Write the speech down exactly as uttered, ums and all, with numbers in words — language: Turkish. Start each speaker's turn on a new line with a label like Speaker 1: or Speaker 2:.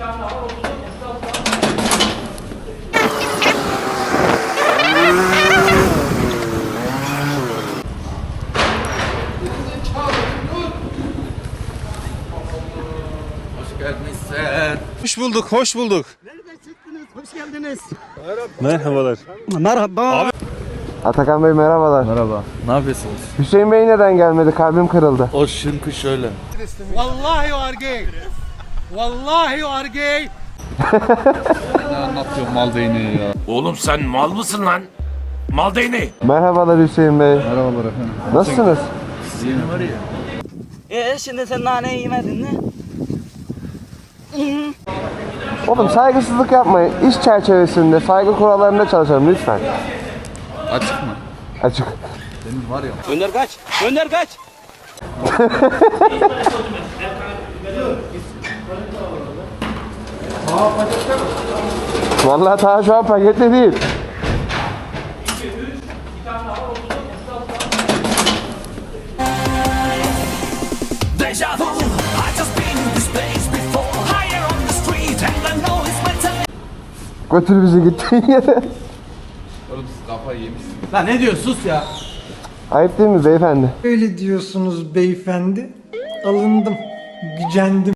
Speaker 1: Hoş bulduk, hoş bulduk.
Speaker 2: Nereden çıktınız? Hoş geldiniz.
Speaker 1: Merhabalar.
Speaker 2: Merhaba. Abi.
Speaker 3: Atakan Bey merhabalar.
Speaker 4: Merhaba. Ne yapıyorsunuz?
Speaker 3: Hüseyin Bey neden gelmedi? Kalbim kırıldı.
Speaker 4: O şınkı şöyle.
Speaker 2: Vallahi you are gay. Vallahi you are gay.
Speaker 4: Ne anlatıyor mal değneği ya?
Speaker 5: Oğlum sen mal mısın lan? Mal değneği.
Speaker 3: Merhabalar Hüseyin Bey.
Speaker 4: Merhabalar efendim.
Speaker 3: Nasılsınız?
Speaker 4: Sizin var ya.
Speaker 6: Ee şimdi sen nane yemedin mi?
Speaker 3: Oğlum saygısızlık yapmayın. İş çerçevesinde saygı kurallarında çalışalım lütfen.
Speaker 4: Açık mı?
Speaker 3: Açık.
Speaker 4: Senin var ya.
Speaker 6: Önder kaç. Önder kaç.
Speaker 3: Vallahi ta şu an pakette değil.
Speaker 5: Deja vu. I just been in this place before. Higher on the street and I know it's my time.
Speaker 3: Götür bizi gittiğin yere.
Speaker 4: Oğlum siz kafayı yemişsiniz.
Speaker 2: Lan ne diyor sus ya.
Speaker 3: Ayıp değil mi beyefendi?
Speaker 7: Öyle diyorsunuz beyefendi. Alındım, gücendim.